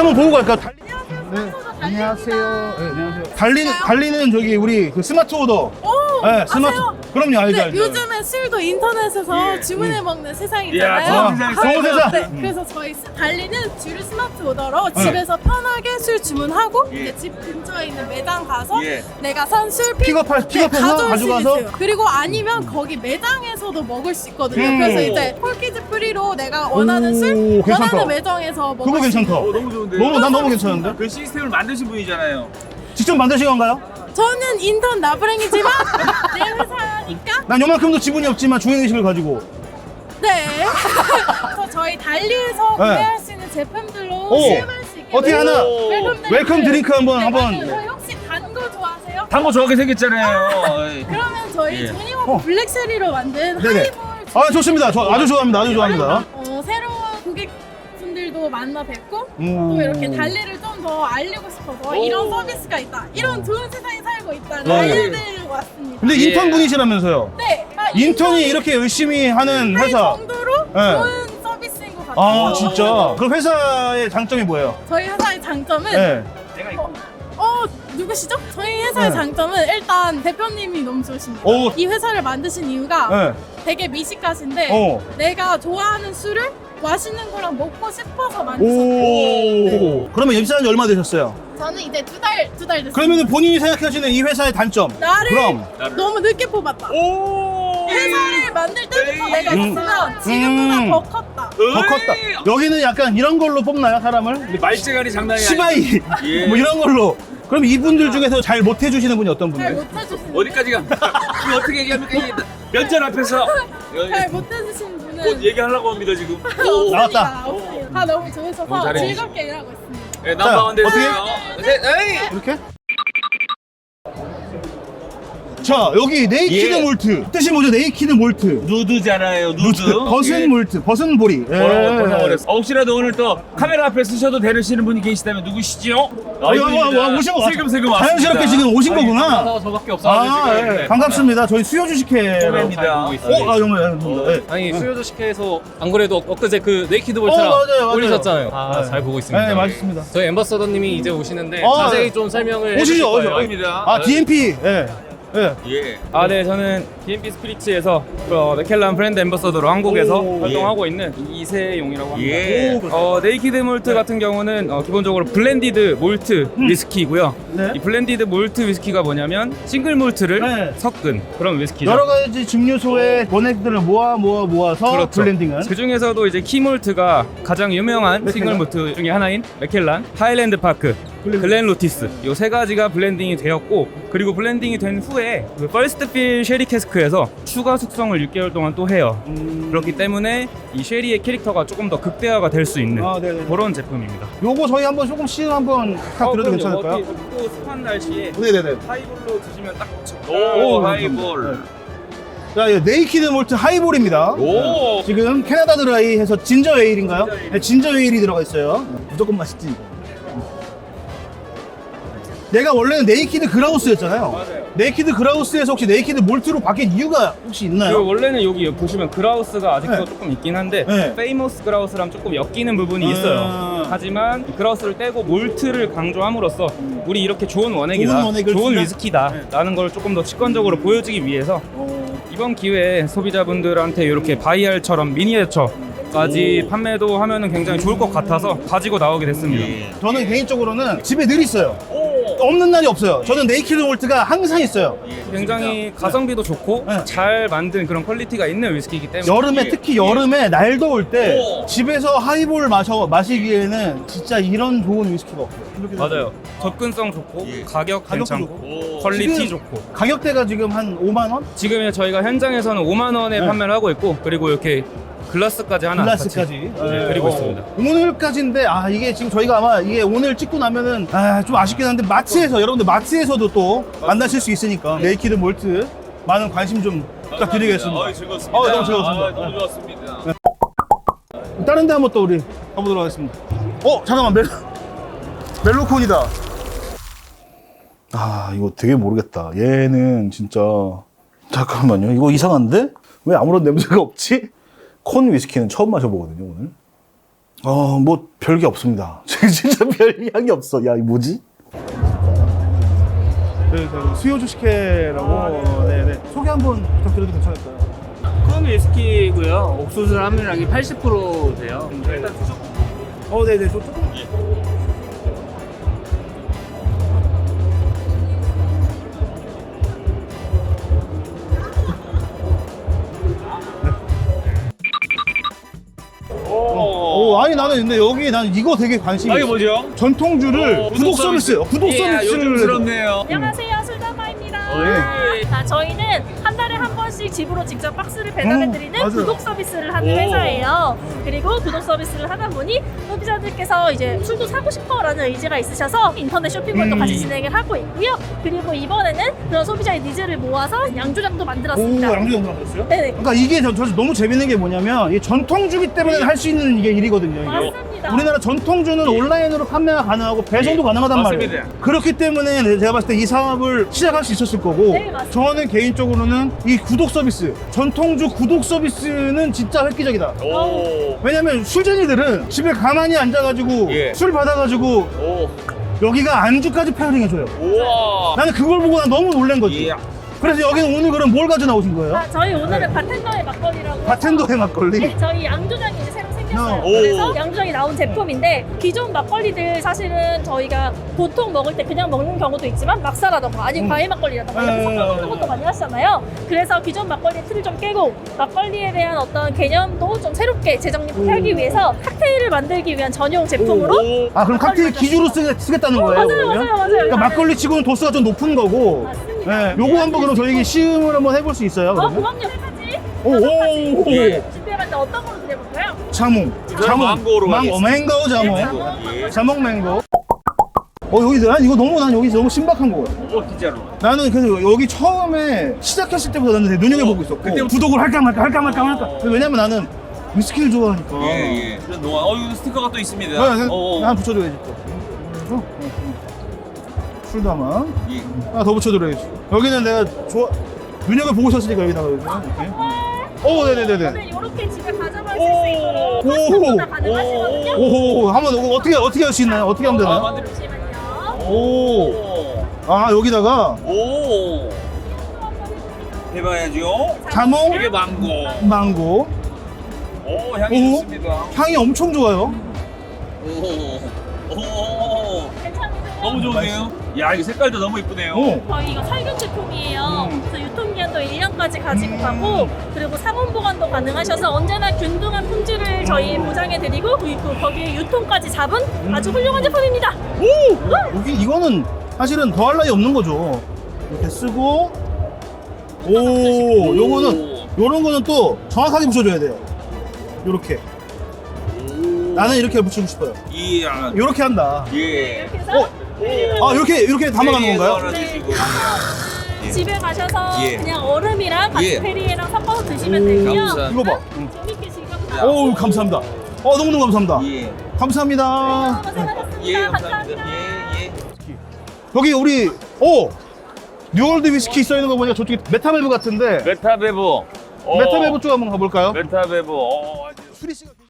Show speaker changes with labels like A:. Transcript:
A: 한번 보고 갈까요? 네. 안녕하세요. 네, 안녕하세요. 달리는 저기 우리 그 스마트 오더. 네, 스마트. 그럼요, 알죠,
B: 네,
A: 알죠.
B: 요즘에 술도 인터넷에서 주문해 먹는 세상이잖아요.
A: 좋은 세상.
B: 네, 그래서 저희 달리는 주류 스마트 오더로 집에서 편하게 술 주문하고 이제 집 근처에 있는 매장 가서 내가 산 술
A: 픽업해서
B: 가져올 수
A: 가져가서?
B: 있어요. 그리고 아니면 거기 매장에서도 먹을 수 있거든요. 그래서 이제 폴키즈 프리로 내가 원하는 술
A: 괜찮다.
B: 원하는 매장에서 먹을
A: 그거
B: 수
A: 괜찮다.
B: 있어요.
C: 너무 좋은데.
A: 난 너무 괜찮은데?
C: 그 시스템을 만드신 분이잖아요.
A: 직접 만드신 건가요?
B: 저는 인턴 나부랭이지만 내 회사니까
A: 난 요만큼도 지분이 없지만 주행의식을 가지고.
B: 네. 그래서 저희 달리에서 구매할 수 있는 제품들로
A: 오.
B: 술 마시게.
A: 어떻게 하나? 웰컴 드링크 한번.
B: 저희 혹시 단 거 좋아하세요?
C: 단거 좋아하게 생겼잖아요.
B: 그러면 저희
C: 예.
B: 조니워크 블랙쉐리로 만든
A: 네네.
B: 하이볼.
A: 아, 좋습니다. 저 아주 좋아합니다. 아주 좋아합니다.
B: 새로운 고객분들도 만나 뵙고 또 이렇게 달리를 좀 더 알리고 싶어서 이런 서비스가 있다. 이런 좋은 세상에 살고 있다를 알려드리려고 왔습니다.
A: 근데 인턴 분이시라면서요?
B: 네.
A: 인턴이 이렇게 열심히 하는
B: 할
A: 회사.
B: 정도로
A: 네.
B: 좋은 서비스인 것 같아요.
A: 아, 진짜? 그 회사의 장점이 뭐예요?
B: 저희 회사의 장점은
A: 네.
B: 누구시죠? 저희 회사의
A: 네.
B: 장점은 일단 대표님이 너무 좋으십니다.
A: 오.
B: 이 회사를 만드신 이유가
A: 네.
B: 되게 미식가신데
A: 어.
B: 내가 좋아하는 술을 맛있는 거랑 먹고 싶어서 만드셨어요.
A: 오. 그러면 입사한 지 얼마 되셨어요?
B: 저는 이제 두 달 됐어요.
A: 그러면 본인이 생각하시는 이 회사의 단점.
B: 나를
A: 그럼.
B: 너무 늦게 뽑았다.
C: 오.
B: 회사를 만들 때부터 내가 있으면 지금보다 더 컸다.
A: 더 컸다. 여기는 약간 이런 걸로 뽑나요, 사람을?
C: 근데 말재간이 장난이
A: 시바이.
C: 예.
A: 뭐 이런 걸로. 그럼 이분들 중에서 잘 못해주시는 분이 어떤
B: 잘
A: 분이에요?
B: 못해주시는
C: 어디까지가? 이거 어떻게 얘기합니까? 이 면전 앞에서
B: 잘 못해주시는 분은
C: 곧 얘기하려고 합니다 지금.
B: 없습니다.
A: 나왔다.
B: 없어요. 다 너무 좋으셔서
C: 너무 잘해주시죠.
B: 즐겁게 일하고 있습니다.
C: 네, 넘버원
A: 자,
C: 되세요. 네, 에이.
A: 이렇게? 자, 여기 네이키드
C: 예.
A: 몰트. 뜻이 뭐죠? 네이키드 몰트.
C: 누드잖아요, 누드.
A: 버슨 몰트, 버슨 보리.
C: 버려버렸어. 혹시라도 오늘 또 카메라 앞에 쓰셔도 되시는 분이 계시다면 누구시죠?
A: 오신 거
C: 슬금슬금
A: 자연스럽게
C: 왔습니다.
A: 지금 오신 거구나.
D: 저밖에 없어가지고
A: 아,
D: 지금.
A: 예.
D: 네.
A: 반갑습니다. 저희 수요 주식회.
C: 처음입니다.
A: 정말. 예.
D: 아니 수요조 식회에서 안 그래도 엊그제 그 네이키드
A: 맞아요,
D: 볼트랑
A: 맞아요.
D: 올리셨잖아요.
A: 네.
D: 잘 보고 있습니다.
A: 네, 맛있습니다.
D: 저희 엠버서더님이 이제 오시는데
A: 아,
D: 자세히
A: 네.
D: 좀 설명을
A: 오시죠,
D: 해주실
A: 오시죠.
D: 거예요.
C: 입니다.
A: 아, DMP. 예. 예.
C: 예.
E: 네, 저는 DMP 스피리츠에서 맥켈란 브랜드 엠버서더로 한국에서
A: 오,
E: 활동하고 있는 이세용이라고 합니다.
C: 예.
E: 네이키드 몰트 같은 경우는 기본적으로 블렌디드 몰트 위스키이고요.
A: 네.
E: 이 블렌디드 몰트 위스키가 뭐냐면 싱글 몰트를
A: 네.
E: 섞은 그런 위스키죠.
A: 여러 가지 증류소의 원액들을 모아서
E: 그렇죠.
A: 블렌딩은.
E: 그 중에서도 이제 키몰트가 가장 유명한 싱글 몰트 중에 하나인 맥켈란, 하일랜드 파크, 글렌 로티스 이 세 가지가 블렌딩이 되었고, 그리고 블렌딩이 된 후에 그 퍼스트 필 쉐리 캐스크에서 추가 숙성을 6개월 동안 또 해요. 그렇기 때문에 이 쉐리의 캐릭터가 조금 더 극대화가 될 수 있는
A: 아, 네네.
E: 그런 제품입니다.
A: 요거 저희 한번 조금 시음 한번 부탁드려도 괜찮을까요?
E: 또 습한 날씨에
A: 네네네.
E: 하이볼로 드시면 딱
C: 오,
A: 오,
C: 하이볼.
A: 자, 이 네이키드 몰트 하이볼입니다.
C: 오.
A: 지금 캐나다 드라이 해서 진저 에일인가요? 네, 진저 에일이 들어가 있어요. 무조건 맛있지. 내가 원래는 네이키드 그라우스였잖아요.
E: 맞아요.
A: 네이키드 그라우스에서 혹시 네이키드 몰트로 바뀐 이유가 혹시 있나요?
E: 그 원래는 여기 보시면 그라우스가 아직도
A: 네.
E: 조금 있긴 한데
A: 네.
E: 페이머스 그라우스랑 조금 엮이는 부분이 있어요.
A: 아.
E: 하지만 이 그라우스를 떼고 몰트를 강조함으로써 우리 이렇게 좋은 원액이다,
A: 좋은 원액을
E: 좋은
A: 준다?
E: 위스키다 라는 걸 조금 더 직관적으로 보여주기 위해서 이번 기회에 소비자분들한테 이렇게 바이알처럼 미니어처까지 판매도 하면은 굉장히 좋을 것 같아서 가지고 나오게 됐습니다.
A: 저는 개인적으로는 집에 늘 있어요. 없는 날이 없어요. 저는 네이키드 몰트가 항상 있어요.
E: 굉장히 가성비도 좋고
A: 네.
E: 잘 만든 그런 퀄리티가 있는 위스키이기 때문에
A: 여름에 특히 여름에 날 더울 때 집에서 하이볼 마시기에는 진짜 이런 좋은 위스키가 없어요.
E: 맞아요. 접근성 좋고 가격
A: 가격도
E: 괜찮고 퀄리티
A: 지금
E: 좋고
A: 가격대가 지금 한 5만 원?
E: 지금 저희가 현장에서는 5만 원에
A: 네.
E: 판매를 하고 있고, 그리고 이렇게 글라스까지 하나
A: 글라스까지
E: 같이 드리고 있습니다.
A: 오늘까지인데 이게 지금 저희가 아마 이게 오늘 찍고 나면은 좀 아쉽긴 한데 마트에서 여러분들 마트에서도 또 만나실 수 있으니까 네이키드 몰트 많은 관심 좀 부탁드리겠습니다.
C: 즐거웠습니다.
A: 너무 즐거웠습니다.
C: 너무 좋았습니다.
A: 다른 데 한번 또 우리 가보도록 하겠습니다. 잠깐만 멜로콘이다. 이거 되게 모르겠다. 얘는 진짜 잠깐만요. 이거 이상한데? 왜 아무런 냄새가 없지? 콘 위스키는 처음 마셔보거든요, 오늘. 뭐 별게 없습니다. 진짜 별 향이 없어. 야, 이 뭐지? 네, 수요 주식회라고. 네네. 소개 한번 부탁드려도 괜찮을까요?
F: 큰 위스키고요. 옥수수 함유량이 80% 돼요. 일단 드셔.
A: 네네. 저 조금. 아니 나는 근데 여기 난 이거 되게 관심이
C: 아, 이게
A: 있어.
C: 뭐죠?
A: 전통주를 구독 서비스, 구독 서비스를
C: 요즘스럽네요.
B: 안녕하세요, 술담마입니다.
A: 네.
B: 저희는 한 달에 한 번씩 집으로 직접 박스를 배달해드리는
A: 맞아요.
B: 구독 서비스를 하는 회사예요. 그리고 구독 서비스를 하다 보니 소비자들께서 이제 술도 사고 싶어라는 의지가 있으셔서 인터넷 쇼핑몰도 같이 진행을 하고 있고요. 그리고 이번에는 그런 소비자의 니즈를 모아서 양조장도 만들었습니다.
A: 양주장 만들었어요?
B: 네네.
A: 그러니까 이게 저 너무 재밌는 게 뭐냐면 이 전통주기 때문에 할 수 있는 이게 일이거든요. 이게.
B: 맞습니다.
A: 우리나라 전통주는 온라인으로 판매가 가능하고 배송도 가능하단
C: 맞습니다.
A: 말이에요. 그렇기 때문에 제가 봤을 때 이 사업을 시작할 수 있었을 거고
B: 네, 맞습니다.
A: 저는 개인적으로는 이 구독 서비스, 전통주 구독 서비스는 진짜 획기적이다.
C: 오.
A: 왜냐면 술쟁이들은 집에 가만히 앉아가지고
C: 예.
A: 술 받아가지고
C: 오.
A: 여기가 안주까지 페어링 해줘요.
C: 우와.
A: 나는 그걸 보고 난 너무 놀란 거지.
C: 예.
A: 그래서 여기는 오늘 그럼 뭘 가져 나오신 거예요?
B: 저희 오늘은 바텐더의 막걸리라고
A: 바텐더의 막걸리?
B: 네, 저희 양조장이 이제 새로 생겼어요.
C: 오.
B: 그래서 양조장이 나온 제품인데 기존 막걸리들 사실은 저희가 보통 먹을 때 그냥 먹는 경우도 있지만 막사라던가 아니면 과일 막걸리라던가 이렇게 섞어 먹는 것도 많이 하시잖아요. 그래서 기존 막걸리의 틀을 좀 깨고 막걸리에 대한 어떤 개념도 좀 새롭게 재정립하기 위해서 칵테일을 만들기 위한 전용 제품으로
A: 아 그럼 칵테일 기주로 쓰겠다는 거예요?
B: 맞아요,
A: 그러면?
B: 맞아요, 맞아요.
A: 그러니까 막걸리 치고는 도수가 좀 높은 거고.
B: 맞습니다.
A: 네, 요거 한번 그럼 저희 시음을 한번 해볼 수 있어요? 그러면?
B: 그럼요. 세 가지.
A: 오,
B: 다섯 가지.
A: 오,
C: 예.
B: 준비해봤는데 어떤 걸로 드려볼까요?
A: 자몽.
C: 저는 망고로
A: 맹고 자몽.
C: 예.
A: 자몽 맹고. 여기 난 이거 난 여기 너무 신박한 거 같아.
C: 진짜로.
A: 나는 그래서 여기 처음에 시작했을 때부터 나는 되게 눈여겨보고 있었고
C: 그때
A: 구독을 할까 말까. 왜냐면 나는 위스키를 좋아하니까.
C: 예. 그런 동안 이거 스티커가 또 있습니다.
A: 하나 붙여줘야지 또. 술 담아.
C: 예.
A: 하나 더 붙여드려야지. 여기는 내가 눈여겨보고 있었으니까 여기다가 이렇게. 네네네네.
B: 오늘 이렇게 집에 가져갈 수 있도록 커스텀도 다 가능하시거든요.
A: 오호, 한번 어떻게 할 수 있나요? 어떻게 하면 되나요?
B: 잠시만요.
A: 오. 아, 여기다가
C: 오. 해봐야죠.
A: 자몽,
C: 이게 망고.
A: 망고.
C: 오, 향이
A: 오.
C: 좋습니다.
A: 향이 엄청 좋아요.
C: 오.
B: 괜찮으세요?
C: 너무 좋네요. 야, 이 색깔도 너무 이쁘네요.
B: 저희 이거 살균 제품이에요. 그래서 유통기한도 1년까지 가지고 가고 그리고 상온 보관도 가능하셔서 언제나 균등한 품질을 저희 보장해드리고 그리고 거기에 유통까지 잡은 아주 훌륭한 제품입니다.
A: 여기 이거는 사실은 더할 나위 없는 거죠. 이렇게 쓰고 요런 거는 또 정확하게 붙여줘야 돼요. 요렇게. 나는 이렇게 붙이고 싶어요.
C: 이야.
A: 요렇게 한다.
C: 예.
B: 이렇게 해서
A: 이렇게 담아가는 건가요?
B: 네. 집에 가셔서
C: 예.
B: 그냥 얼음이랑 같이
C: 예.
B: 페리에랑 섞어서 드시면 되고요.
C: 감사합니다.
A: 이거 봐.
B: 재밌게 즐겨보세요.
A: 오, 감사합니다. 너무너무 감사합니다.
C: 예.
A: 감사합니다.
B: 고생하셨습니다.
C: 예,
B: 감사합니다.
C: 감사합니다. 예, 예.
A: 여기 우리 뉴월드 위스키 있어 있는 거 보니까 저쪽에 메타멜브 같은데
C: 메타베보.
A: 메타멜브 쪽 한번 가볼까요?
C: 메타베보.
A: 수리 씨가